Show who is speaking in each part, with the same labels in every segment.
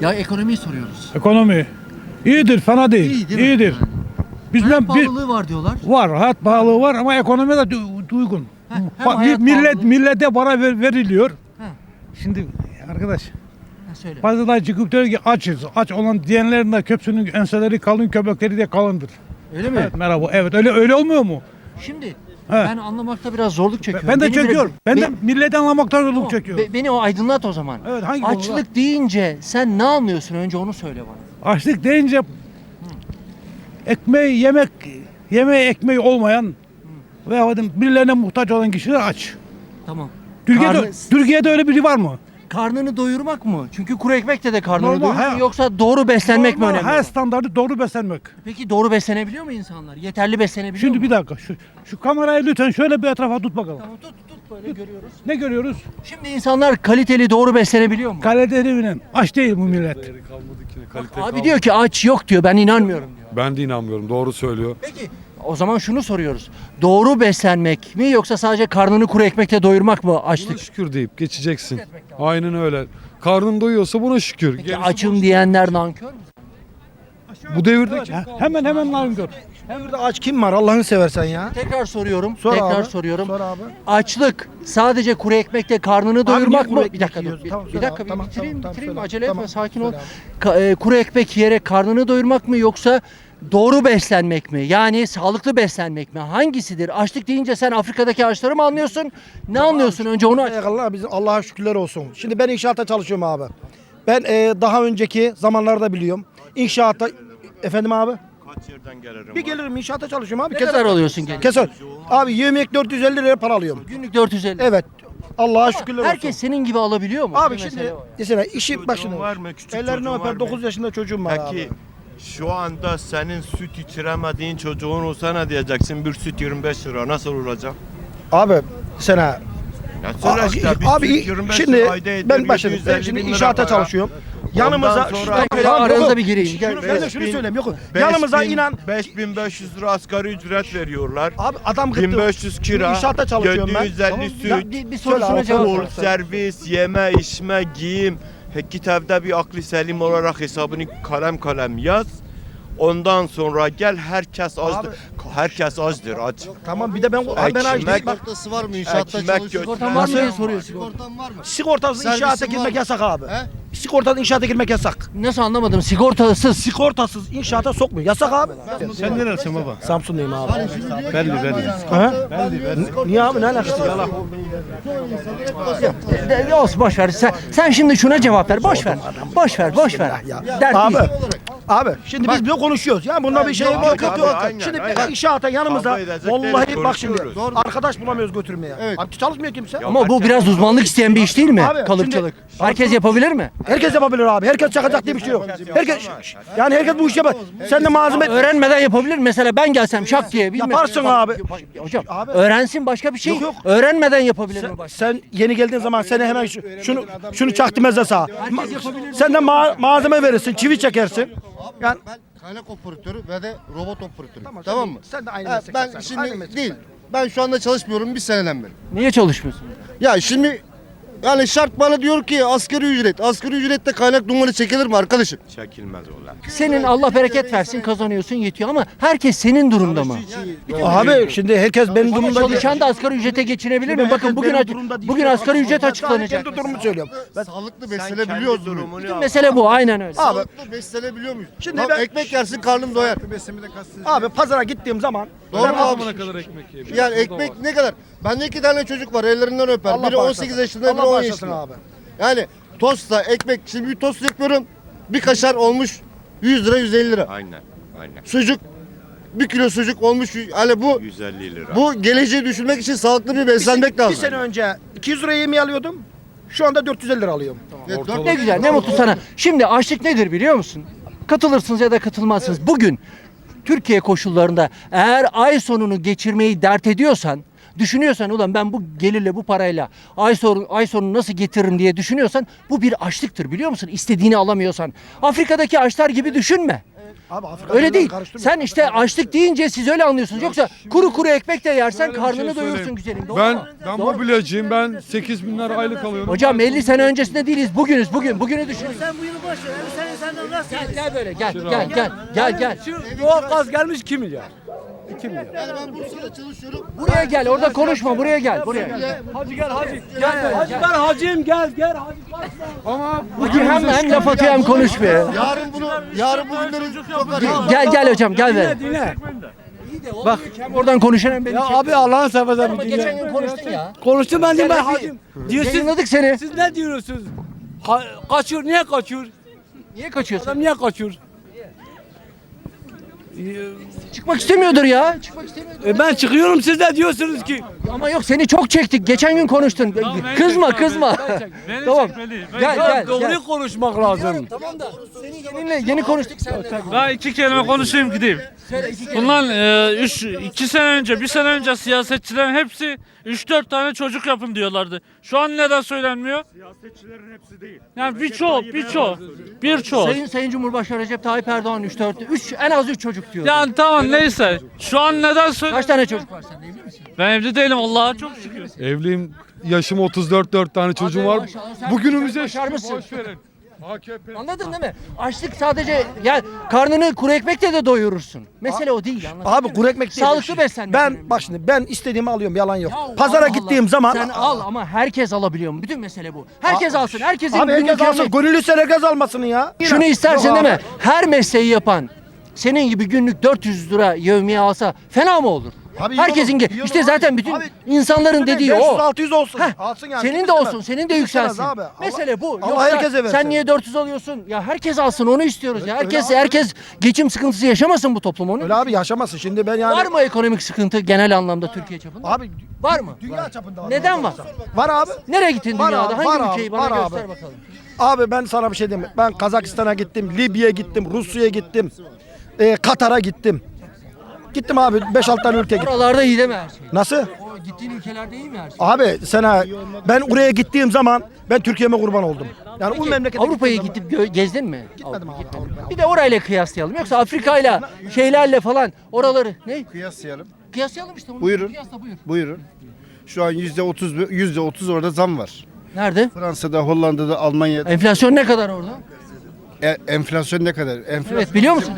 Speaker 1: Ya ekonomiyi soruyoruz.
Speaker 2: Ekonomi iyidir, fena değil.
Speaker 1: İyi değil mi?
Speaker 2: İyidir.
Speaker 1: Yani.
Speaker 2: Bizden
Speaker 1: Hayat
Speaker 2: bir
Speaker 1: pahalılığı var diyorlar.
Speaker 2: var, hayat pahalılığı var ama ekonomi de uygun.
Speaker 1: hem hayat pahalılığı-
Speaker 2: Millete para veriliyor.
Speaker 1: He.
Speaker 2: Şimdi arkadaş,
Speaker 1: Ha, söyle.
Speaker 2: bazıları çıkıp diyor ki açız. Aç olan diyenlerin de köpsünün enseleri kalın, köpekleri de kalındır.
Speaker 1: Öyle mi?
Speaker 2: Evet, merhaba. Evet, öyle olmuyor mu?
Speaker 1: Şimdi ben anlamakta biraz zorluk çekiyorum.
Speaker 2: Ben de
Speaker 1: Beni
Speaker 2: çekiyorum. Ben de
Speaker 1: Be-
Speaker 2: milleti anlamaktan zorluk
Speaker 1: Tamam,
Speaker 2: çekiyorum.
Speaker 1: beni o aydınlat o zaman.
Speaker 2: Evet, hangi
Speaker 1: Açlık
Speaker 2: konuda?
Speaker 1: deyince sen ne anlıyorsun? Önce onu söyle bana.
Speaker 2: Açlık deyince yemeği ekmeği olmayan veya birilerine muhtaç olan kişiler aç.
Speaker 1: Tamam.
Speaker 2: Türkiye'de öyle biri var mı?
Speaker 1: Karnını doyurmak mı? Çünkü kuru ekmekle de karnını
Speaker 2: Normal,
Speaker 1: doyurur
Speaker 2: he.
Speaker 1: yoksa doğru beslenmek mi
Speaker 2: Normal,
Speaker 1: önemli?
Speaker 2: her
Speaker 1: olan?
Speaker 2: standartı doğru beslenmek.
Speaker 1: Peki doğru beslenebiliyor mu insanlar? Yeterli beslenebiliyor
Speaker 2: Şimdi
Speaker 1: mu?
Speaker 2: bir dakika şu kamerayı lütfen şöyle bir etrafa tut bakalım.
Speaker 1: Tamam tut böyle görüyoruz.
Speaker 2: Ne görüyoruz?
Speaker 1: Şimdi insanlar kaliteli doğru beslenebiliyor mu?
Speaker 2: Kaliteli aç değil bu millet.
Speaker 1: Abi diyor ki aç yok diyor, ben inanmıyorum diyor.
Speaker 3: Ben de inanmıyorum. Doğru söylüyor.
Speaker 1: Peki o zaman şunu soruyoruz. Doğru beslenmek mi yoksa sadece karnını kuru ekmekle doyurmak mı
Speaker 3: Buna
Speaker 1: açlık?
Speaker 3: şükür deyip geçeceksin. Aynen öyle. Karnın doyuyorsa buna şükür.
Speaker 1: Peki
Speaker 3: Gerisi
Speaker 1: açım diyenler nankör mü?
Speaker 3: bu devirde
Speaker 2: Hemen nankör.
Speaker 4: Burada aç kim var Allah'ını seversen ya?
Speaker 1: Tekrar soruyorum.
Speaker 4: Sor
Speaker 1: tekrar
Speaker 4: abi,
Speaker 1: soruyorum.
Speaker 4: sor abi.
Speaker 1: Açlık sadekle kuru ekmekle karnını doyurmak
Speaker 4: niye
Speaker 1: mı?
Speaker 4: kuru
Speaker 1: Bir dakika
Speaker 4: ekmek
Speaker 1: dur.
Speaker 4: yiyoruz? Tamam,
Speaker 1: Bir
Speaker 4: söyle
Speaker 1: dakika
Speaker 4: abi,
Speaker 1: bir
Speaker 4: tamam,
Speaker 1: bitireyim,
Speaker 4: tamam,
Speaker 1: bitireyim.
Speaker 4: söyle.
Speaker 1: Acele
Speaker 4: Tamam,
Speaker 1: etme, sakin ol.
Speaker 4: söyle abi.
Speaker 1: Kuru ekmek yiyerek karnını doyurmak mı yoksa doğru beslenmek mi? Yani sağlıklı beslenmek mi? Hangisidir? Açlık deyince sen Afrika'daki ağaçları mı anlıyorsun? Ne anlıyorsun? Önce onu aç.
Speaker 4: Allah bizim Allah'a şükürler olsun. Şimdi ben inşaatta çalışıyorum abi. Ben daha önceki zamanlarda biliyorum. İnşaatta efendim abi.
Speaker 5: Kaç yerden gelirim?
Speaker 4: Bir gelirim inşaatta çalışıyorum abi.
Speaker 1: Ne kadar alıyorsun gene?
Speaker 4: Keser. Abi yemek 450 lira para alıyorum.
Speaker 1: Günlük 450.
Speaker 4: Evet. Allah'a şükürler olsun.
Speaker 1: Herkes senin gibi alabiliyor mu?
Speaker 4: Abi
Speaker 1: Bir
Speaker 4: şimdi
Speaker 1: mesele var.
Speaker 4: mesela işi başında.
Speaker 5: var mı? Küçük
Speaker 4: Ellerini
Speaker 5: çocuğun var
Speaker 4: öper
Speaker 5: mı?
Speaker 4: 9 yaşında çocuğum var
Speaker 5: Peki
Speaker 4: abi.
Speaker 5: şu anda senin süt içiremediğin çocuğun olsa ne diyeceksin? Bir süt 25 lira nasıl olacak?
Speaker 4: Abi sana
Speaker 5: Ya söyle işte bir
Speaker 4: abi
Speaker 5: süt 25
Speaker 4: şimdi
Speaker 5: lira ayda eder,
Speaker 4: ben başladım.
Speaker 5: 750
Speaker 4: Ben şimdi
Speaker 5: bin lira
Speaker 4: inşaata
Speaker 5: para.
Speaker 4: çalışıyorum. Yanımıza
Speaker 5: Ondan sonra-
Speaker 4: şuradan-
Speaker 1: Şöyle
Speaker 4: Tamam,
Speaker 1: aranızda
Speaker 4: yok.
Speaker 1: bir gireyim. Gel.
Speaker 4: Ben de şunu söyleyeyim yok.
Speaker 5: 5000
Speaker 4: Yanımıza inan
Speaker 5: 5500 lira asgari ücret veriyorlar.
Speaker 4: abi adam gitti.
Speaker 5: 1500 kira,
Speaker 4: İnşaatta çalışıyorum ben.
Speaker 5: 750
Speaker 4: Tamam.
Speaker 5: süt,
Speaker 4: Ya,
Speaker 1: Bir
Speaker 4: Söyle
Speaker 1: sorusuna
Speaker 4: abi,
Speaker 1: cevap
Speaker 4: söyle.
Speaker 1: ver.
Speaker 5: full servis, yeme, içme, giyim. Git evde bir aklı selim olarak hesabını kalem yaz. Ondan sonra gel herkes azdır. Herkes azdır aç.
Speaker 4: Tamam bir de ben
Speaker 5: Ekmek-
Speaker 4: bak
Speaker 6: Sigortası var mı inşaatta
Speaker 5: Ekmek
Speaker 6: çalışıyorsun?
Speaker 1: Sigortan var mı diye
Speaker 4: Nasıl?
Speaker 1: soruyor.
Speaker 6: Sigortan var mı?
Speaker 4: sigortasız
Speaker 6: Servisin
Speaker 4: inşaata
Speaker 6: var
Speaker 4: girmek
Speaker 6: mı?
Speaker 4: yasak abi.
Speaker 6: He?
Speaker 4: Sigortadan inşaata girmek yasak.
Speaker 1: Nasıl anlamadım? Sigortasız.
Speaker 4: Sigortasız inşaata sokmuyor. Yasak abi.
Speaker 2: Sen neresin baba?
Speaker 4: Samsun'dayım abi.
Speaker 2: Belli.
Speaker 4: Ha? Niye abi ne alakası var?
Speaker 1: Olsun boş ver. Sen şimdi şuna cevap ver. Boş ver. Boş ver. Dert
Speaker 4: Abi.
Speaker 1: değil.
Speaker 4: Abi şimdi biz böyle konuşuyoruz. Ya bunda bir şey yok.
Speaker 5: yok,
Speaker 4: Yok,
Speaker 5: abi,
Speaker 4: yok.
Speaker 5: aynen,
Speaker 4: Şimdi
Speaker 5: aynen.
Speaker 4: inşaata yanımıza
Speaker 5: Kavga edecek
Speaker 4: vallahi
Speaker 5: değiliz,
Speaker 4: bak şimdi
Speaker 5: konuşuyoruz.
Speaker 4: arkadaş bulamıyoruz götürmeye.
Speaker 6: Evet.
Speaker 4: Abi çalışmıyor kimse.
Speaker 1: Ama bu biraz uzmanlık isteyen bir iş değil mi?
Speaker 4: Abi,
Speaker 1: Kalıpçılık.
Speaker 4: şimdi-
Speaker 1: Herkes yapabilir mi?
Speaker 4: Herkes yapabilir abi. Herkes çakacak diye bir şey yok. Herkes yani herkes bu işi yapar. Sen de malzeme
Speaker 1: Öğrenmeden yapabilir. Mesela ben gelsem şak diye bilmem.
Speaker 4: Yaparsın abi.
Speaker 1: Hocam
Speaker 4: Abi.
Speaker 1: öğrensin başka bir şey.
Speaker 4: Yok.
Speaker 1: Öğrenmeden yapabilir mi başka?
Speaker 4: sen yeni geldiğin zaman seni hemen şunu çaktırmazsa sağa. Sen de malzeme verirsin, çivi çekersin. Yani
Speaker 6: Ben kaynak operatörü ve de robot operatörü. Tamam mı?
Speaker 4: Sen de aynı
Speaker 6: Ha,
Speaker 4: meslek.
Speaker 6: ben şimdi değil. Ben şu anda çalışmıyorum bir seneden beri.
Speaker 1: Niye çalışmıyorsun?
Speaker 6: Ya şimdi yani şart bana diyor ki asgari ücret. Asgari ücrette kaynak dumanı çekilir mi arkadaşım?
Speaker 5: Çekilmez ola.
Speaker 1: Senin Allah bereket versin kazanıyorsun yetiyor ama herkes senin durumda mı?
Speaker 4: Abi şimdi herkes benim
Speaker 1: Ama
Speaker 4: durumda
Speaker 1: çalışan da asgari ücrete geçinebilir mi? Bakın bugün asgari ücret açıklanacak.
Speaker 4: Kendi durumumu söylüyorum.
Speaker 6: Sağlıklı beslenebiliyoruz mu?
Speaker 1: Bütün mesele bu aynen öyle.
Speaker 4: Abi
Speaker 6: Sağlıklı beslenebiliyor muyuz?
Speaker 4: Şimdi
Speaker 6: Lan
Speaker 4: ben-
Speaker 6: ekmek yersin karnım doyar.
Speaker 4: abi pazara gittiğim zaman
Speaker 6: Doğru mu abi? Yani ekmek ne kadar? Bende 2 tane çocuk var ellerinden öper.
Speaker 4: Allah
Speaker 6: Biri 18
Speaker 4: bağışlasın.
Speaker 6: yaşında, biri
Speaker 4: Allah
Speaker 6: 10
Speaker 4: bağışlasın
Speaker 6: yaşında.
Speaker 4: abi.
Speaker 6: Yani tostla ekmek, şimdi bir tost yapıyorum. Bir kaşar olmuş 100 lira 150 lira.
Speaker 5: Aynen.
Speaker 6: Sucuk, bir kilo sucuk olmuş hani bu
Speaker 5: 150 lira.
Speaker 6: bu geleceği düşünmek için sağlıklı bir beslenmek
Speaker 4: bir
Speaker 6: lazım.
Speaker 4: sene önce 200 liraya yemeği alıyordum. Şu anda 450 lira alıyorum.
Speaker 1: Ne güzel, ne mutlu sana. Şimdi açlık nedir biliyor musun? Katılırsınız ya da katılmazsınız. Bugün Türkiye koşullarında eğer ay sonunu geçirmeyi dert ediyorsan, düşünüyorsan ulan ben bu gelirle bu parayla ay sonunu nasıl getiririm diye düşünüyorsan bu bir açlıktır biliyor musun? İstediğini alamıyorsan. Afrika'daki açlar gibi düşünme.
Speaker 4: Abi Afrika
Speaker 1: Öyle
Speaker 4: ülkeleri
Speaker 1: değil.
Speaker 4: karıştırma.
Speaker 1: Sen işte açlık deyince siz öyle anlıyorsunuz. Yoksa kuru kuru ekmek de yersen
Speaker 3: Şöyle bir şey
Speaker 1: karnını doyursun
Speaker 3: söyleyeyim.
Speaker 1: güzelim. Doğru
Speaker 3: Ben
Speaker 1: mu?
Speaker 3: ben
Speaker 1: Doğru mu?
Speaker 3: mobilyacıyım. Ben 8.000 lira aylık alıyorum.
Speaker 1: Hocam 50 sene öncesinde değiliz. Bugünüz bugün. Bugünü düşünün.
Speaker 7: Sen bu yılı boş ver. Sen senden nasıl
Speaker 1: Gel böyle gel.
Speaker 2: Doğal gaz gelmiş 2 milyar.
Speaker 6: Yani ben Bursa'da çalışıyorum.
Speaker 1: Buraya gel. Orada konuşma. Buraya gel. Buraya.
Speaker 2: Hacı gel hacı.
Speaker 1: Gel.
Speaker 2: Hacı ben hacıyım gel hacı.
Speaker 3: Ama
Speaker 1: Bugün hem laf atıyor hem konuşmuyor.
Speaker 6: Yarın bugünleri çok arıyor.
Speaker 1: Gel hocam gel be.
Speaker 2: Dinle.
Speaker 1: Bak hem oradan konuşan hem beni
Speaker 2: Ya
Speaker 1: çek.
Speaker 2: abi Allah'ın seversen
Speaker 1: Ama
Speaker 2: bir
Speaker 1: geçen
Speaker 2: dinle.
Speaker 1: gün konuştun ya.
Speaker 2: Konuştum ben de ben
Speaker 1: Sen de
Speaker 2: hacıyım. Diyorsun
Speaker 1: Yayınladık seni.
Speaker 2: siz ne diyorsunuz? Kaçıyor niye kaçıyor?
Speaker 1: Niye kaçıyorsun?
Speaker 2: Adam niye kaçıyor?
Speaker 1: Çıkmak istemiyordur ya. Çıkmak istemiyordur.
Speaker 2: Ben çıkıyorum siz de diyorsunuz ki.
Speaker 1: Ama yok seni çok çektik. Geçen gün konuştun. Kızma. Tamam. Gel.
Speaker 2: Doğruyu konuşmak lazım.
Speaker 1: Tamam da seni yeni konuştuk seninle.
Speaker 8: Daha iki kelime konuşayım gideyim.
Speaker 1: Söyle iki kere.
Speaker 8: Bundan 2 sene önce, bir sene önce siyasetçilerin hepsi 3-4 tane çocuk yapın diyorlardı. Şu an neden söylenmiyor? Siyasetçilerin hepsi değil. Yani birçoğu.
Speaker 1: Sayın Cumhurbaşkanı Recep Tayyip Erdoğan 3 en az 3 çocuk diyor.
Speaker 8: Yani tamam neyse. Şu an neden
Speaker 1: Kaç
Speaker 8: söyleniyor?
Speaker 1: tane çocuk var sende evli misin?
Speaker 8: Ben evli değilim Allah'a çok şükür.
Speaker 3: evliyim. Yaşım 34, 4 tane çocuğum var.
Speaker 1: maşallah, sen
Speaker 3: Bugünümüze
Speaker 1: başarmışsın.
Speaker 3: boş verin. AKP.
Speaker 1: Anladın değil mi? Açlık sadece yani karnını kuru ekmekle de doyurursun. Mesele o değil. anladın
Speaker 4: Abi
Speaker 1: değil mi?
Speaker 4: kuru ekmek değil.
Speaker 1: Sağlıklı beslenmek.
Speaker 4: Ben
Speaker 1: önemli.
Speaker 4: bak şimdi ben istediğimi alıyorum yalan yok.
Speaker 1: Ya
Speaker 4: Pazara
Speaker 1: Allah
Speaker 4: gittiğim
Speaker 1: Allah.
Speaker 4: zaman
Speaker 1: Sen al ama herkes alabiliyor mu? Bütün mesele bu. Herkes alsın. Herkesin
Speaker 4: abi herkes
Speaker 1: günlük
Speaker 4: alsın.
Speaker 1: yemeği-
Speaker 4: Gönüllü sen herkes almasını ya.
Speaker 1: Şunu istersin
Speaker 4: Yok
Speaker 1: değil
Speaker 4: abi.
Speaker 1: mi? Her mesleği yapan senin gibi günlük 400 lira yevmiye alsa fena mı olur?
Speaker 4: Abi iyi
Speaker 1: Herkesin
Speaker 4: olur, iyi olur
Speaker 1: işte
Speaker 4: abi.
Speaker 1: zaten bütün
Speaker 4: Abi,
Speaker 1: insanların dediği o.
Speaker 4: 500-600 olsun.
Speaker 1: Heh,
Speaker 4: Alsın yani.
Speaker 1: senin
Speaker 4: Kim
Speaker 1: de
Speaker 4: istemez?
Speaker 1: olsun, senin de
Speaker 4: Kim istemez
Speaker 1: yükselsin.
Speaker 4: abi?
Speaker 1: Mesele bu.
Speaker 4: Allah
Speaker 1: Yoksa
Speaker 4: herkese versin.
Speaker 1: sen niye 400 alıyorsun? Ya herkes alsın onu istiyoruz ya.
Speaker 4: Öyle abi.
Speaker 1: Herkes geçim sıkıntısı yaşamasın bu toplum onu.
Speaker 4: Öyle abi yaşamasın. Şimdi ben yani.
Speaker 1: Var mı ekonomik sıkıntı genel anlamda Türkiye çapında?
Speaker 4: Abi
Speaker 1: Var mı?
Speaker 4: dünya çapında var.
Speaker 1: Neden var?
Speaker 4: Var abi.
Speaker 1: Nereye gittin
Speaker 4: Var
Speaker 1: dünyada?
Speaker 4: abi,
Speaker 1: Hangi
Speaker 4: var
Speaker 1: ülkeyi
Speaker 4: abi,
Speaker 1: bana
Speaker 4: var
Speaker 1: göster
Speaker 4: abi.
Speaker 1: bakalım.
Speaker 4: Abi ben sana bir şey diyeyim. Ben Kazakistan'a gittim, Libya'ya gittim, Rusya'ya gittim, Katar'a gittim. Gittim abi 5-6 tane ülke gittim.
Speaker 1: Oralarda iyi değil mi her şey?
Speaker 4: Nasıl?
Speaker 1: O gittiğin ülkelerde iyi mi her şey?
Speaker 4: Abi sana ben oraya gittiğim zaman ben Türkiye'me kurban oldum. Yani o
Speaker 1: Peki,
Speaker 4: memlekete
Speaker 1: Avrupa'ya
Speaker 4: gittiğim
Speaker 1: gidip gezdin mi?
Speaker 4: Gitmedim abi, Avrupa'ya.
Speaker 1: Bir de orayla kıyaslayalım. Yoksa Afrika'yla şeylerle falan oraları ne?
Speaker 6: Kıyaslayalım.
Speaker 1: Kıyaslayalım işte. Onu
Speaker 6: Buyurun.
Speaker 1: Kıyasla buyur.
Speaker 6: Buyurun. Şu an %30 orada zam var.
Speaker 1: Nerede?
Speaker 6: Fransa'da, Hollanda'da, Almanya'da.
Speaker 1: Enflasyon ne kadar orada?
Speaker 6: Enflasyon ne kadar? Enflasyon
Speaker 1: Evet biliyor musun?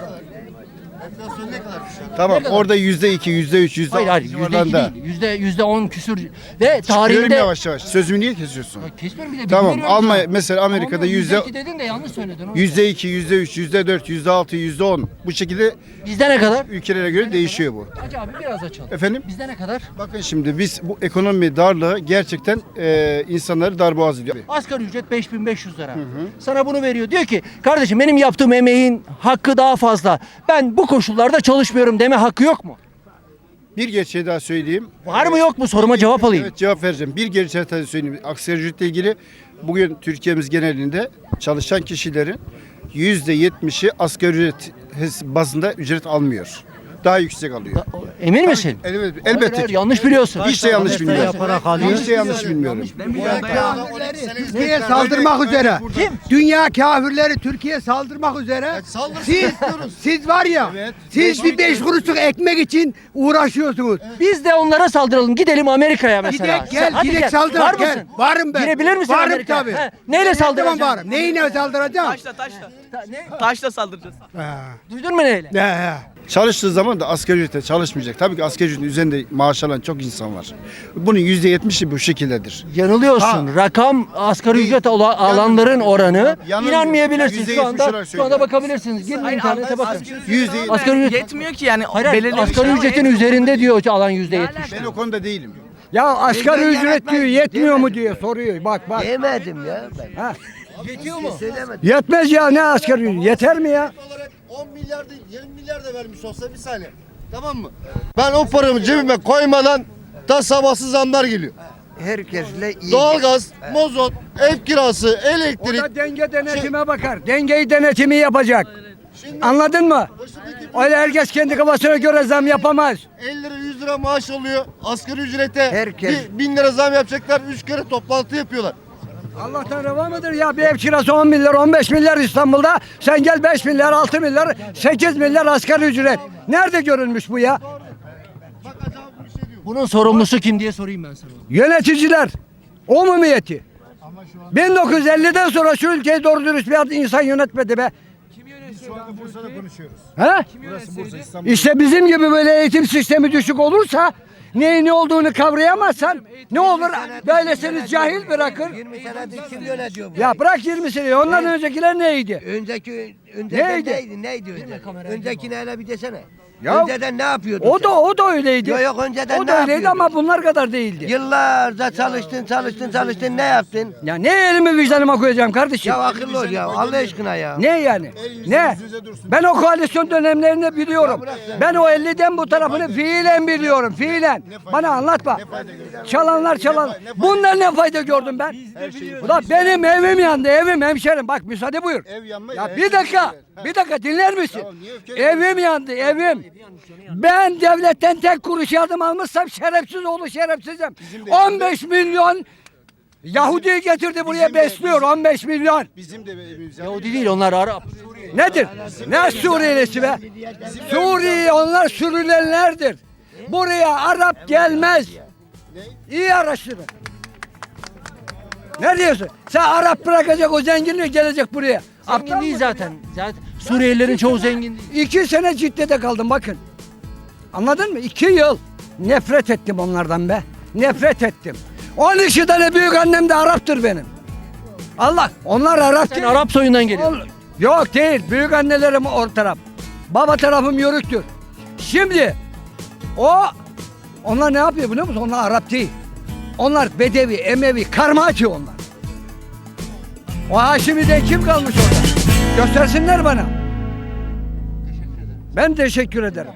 Speaker 6: tamam. Orada %2, %3,
Speaker 1: Hayır hayır
Speaker 6: %6
Speaker 1: %2
Speaker 6: civarında.
Speaker 1: değil. %10 küsür. Ve
Speaker 6: Çıkıyorum
Speaker 1: tarihinde...
Speaker 6: yavaş yavaş. Sözümü niye kesiyorsun?
Speaker 1: Kesmiyorum bir de
Speaker 6: Tamam.
Speaker 1: bilgi veriyorum
Speaker 6: Almanya
Speaker 1: sana.
Speaker 6: mesela Amerika'da
Speaker 1: Tamam,
Speaker 6: yüzde
Speaker 1: %2 dedin de yanlış söyledin. onu.
Speaker 6: %2, %3, %4, %6, %10 bu şekilde
Speaker 1: Bizde ne kadar?
Speaker 6: ülkelere göre değişiyor bu.
Speaker 1: Hacı abi biraz açalım.
Speaker 6: Efendim?
Speaker 1: Bizde ne kadar?
Speaker 6: Bakın şimdi biz bu ekonomi darlığı gerçekten insanları darboğaz ediyor.
Speaker 1: Asgari ücret 5500 lira. Sana bunu veriyor. Diyor ki kardeşim benim yaptığım emeğin hakkı daha fazla. Ben bu koşullarda çalışmıyorum deme hakkı yok mu?
Speaker 6: Bir gerçeği daha söyleyeyim.
Speaker 1: Var mı yok mu soruma cevap alayım.
Speaker 6: Evet cevap vereceğim. Bir gerçeği daha söyleyeyim. Asgari ücretle ilgili bugün Türkiye'miz genelinde çalışan kişilerin %70'i asgari ücret bazında ücret almıyor. Daha yüksek alıyor.
Speaker 1: Emin misin?
Speaker 6: Evet,
Speaker 1: Hayır,
Speaker 6: elbette
Speaker 1: hayır,
Speaker 6: ki.
Speaker 1: yanlış biliyorsun.
Speaker 6: Hiç de yanlış bilmiyorum. Hiç de yanlış bilmiyorum.
Speaker 9: Türkiye'ye saldırmak üzere.
Speaker 1: Kim?
Speaker 9: Dünya kafirleri Türkiye'ye saldırmak üzere. Siz var ya, siz bir 5 kuruşluk ekmek için uğraşıyorsunuz.
Speaker 1: Biz de onlara saldıralım. Gidelim Amerika'ya mesela.
Speaker 9: Gidek gel,
Speaker 1: Hadi
Speaker 9: gidek
Speaker 1: gel.
Speaker 9: saldır.
Speaker 1: Var
Speaker 9: Gel.
Speaker 1: mısın?
Speaker 9: Varım ben.
Speaker 1: Girebilir misin
Speaker 9: Varım
Speaker 1: Amerika'ya?
Speaker 9: tabii.
Speaker 1: He, neyle saldıracaksın?
Speaker 9: Tamam varım. Neyine saldıracağım?
Speaker 10: Taşla saldıracağız.
Speaker 1: Duydun mu neyle?
Speaker 9: He.
Speaker 6: Çalıştığı zaman da asgari ücrete çalışmayacak. Tabii ki asgari ücretin üzerinde maaş alan çok insan var. Bunun %70'i bu şekildedir.
Speaker 1: Yanılıyorsun. Rakam asgari ücret alanların oranı.
Speaker 6: Yanılmıyor.
Speaker 1: İnanmayabilirsin.
Speaker 6: %70
Speaker 1: Şu anda
Speaker 6: olarak
Speaker 1: şu anda
Speaker 6: söylüyorum.
Speaker 1: bakabilirsiniz. Girin internete bakın. Asgari ücret
Speaker 10: Yetmiyor ki yani.
Speaker 1: Hayır,
Speaker 10: belirli
Speaker 1: asgari ücretin üzerinde diyor alan %70.
Speaker 6: Ben o konuda değilim.
Speaker 9: Ya asgari ücret diyor yetmiyor mu diye soruyor. Bak bak.
Speaker 7: Demedim ya ben.
Speaker 1: Yetiyor mu?
Speaker 9: Yetmez ya ne asgari ücret? Yeter mi ya?
Speaker 6: 10 milyar değil 20 milyar da vermiş olsa bir saniye. Tamam mı? Ben o paramı cebime koymadan da sabahsız zamlar geliyor.
Speaker 7: Herkesle iyi.
Speaker 6: Doğalgaz, mazot, ev kirası,
Speaker 9: O
Speaker 6: elektrik.
Speaker 9: da denge denetime bakar. Dengeyi denetimi yapacak. Anladın mı? Öyle herkes kendi kafasına göre zam yapamaz.
Speaker 6: 50 lira 100 lira maaş alıyor. Asgari ücrete
Speaker 7: Herkes-
Speaker 6: 1000 lira zam yapacaklar. 3 kere toplantı yapıyorlar.
Speaker 9: Allah'tan reva mıdır ya? Bir ev kirası 10 milyar, 15 milyar İstanbul'da. Sen gel 5 milyar, 6 milyar, 8 milyar asgari ücret. Nerede görülmüş bu ya?
Speaker 1: Bunun sorumlusu kim diye sorayım ben sana.
Speaker 9: Yöneticiler. Umumiyeti. 1950'den sonra şu ülkeyi doğru dürüst bir insan yönetmedi be.
Speaker 6: Bursa'da konuşuyoruz.
Speaker 9: He?
Speaker 6: Burası Bursa, İstanbul.
Speaker 9: İşte bizim gibi böyle eğitim sistemi düşük olursa neyin ne olduğunu kavrayamazsan ne olur böyle seni cahil bırakır.
Speaker 7: 20 senedir kim yönetiyor bu?
Speaker 9: Ya bırak 20 seneyi ondan öncekiler neydi?
Speaker 7: Önceki
Speaker 9: Neydi?
Speaker 7: neydi önceki? Öncekini hele bir desene.
Speaker 9: Ya,
Speaker 7: önceden ne yapıyordun
Speaker 9: O da öyleydi.
Speaker 7: Yok önceden
Speaker 9: O
Speaker 7: ne
Speaker 9: da öyleydi
Speaker 7: yapıyordun?
Speaker 9: ama bunlar kadar değildi.
Speaker 7: Yıllarca çalıştın ne yaptın?
Speaker 9: Ya ne elimi vicdanıma koyacağım kardeşim?
Speaker 7: Ya akıllı ol ya Allah aşkına ya.
Speaker 9: Ne yani? Ne? Ben o koalisyon dönemlerini biliyorum. Ben o 50'den bu tarafını fiilen biliyorum. Fiilen. Bana anlatma. Çalanlar. Bunlar ne fayda gördüm ben? Ulan benim evim yandı. Evim hemşerim. Bak müsaade buyur.
Speaker 6: Ev yanma
Speaker 9: Ya
Speaker 6: ya,
Speaker 9: bir dakika. Bir dakika dinler misin?
Speaker 6: Tamam, niye öfkeli
Speaker 9: Evim yandı. Evim. Ben devletten tek kuruş yardım almışsam şerefsiz oğlu şerefsizim. 15 milyon Yahudi'yi getirdi buraya besliyor. 15 milyon.
Speaker 6: Bizim de evimiz.
Speaker 1: Yahudi değil, onlar Arap.
Speaker 9: Nedir? Ne Suriyelisi be? Suriye onlar sürülenlerdir. Buraya Arap gelmez. İyi araştırın. Ne diyorsun? Sen Arap bırakacak o zenginliği gelecek buraya.
Speaker 1: Zengin değil zaten. Zaten Suriyelilerin çoğu zengin değil.
Speaker 9: 2 sene Cidde'de kaldım bakın. Anladın mı? 2 yıl. Nefret ettim onlardan be. Nefret ettim. 12 tane büyük annem de Arap'tır benim. Allah. Onlar Arap
Speaker 1: Sen
Speaker 9: değil.
Speaker 1: Arap soyundan geliyorsun.
Speaker 9: Yok değil. Büyük annelerim o taraf. Baba tarafım Yörüktür. Şimdi onlar ne yapıyor biliyor musun? Onlar Arap değil. Onlar Bedevi, Emevi, Karmacı onlar. O Haşimi'de kim kalmış orada? Göstersinler bana. Ben teşekkür ederim.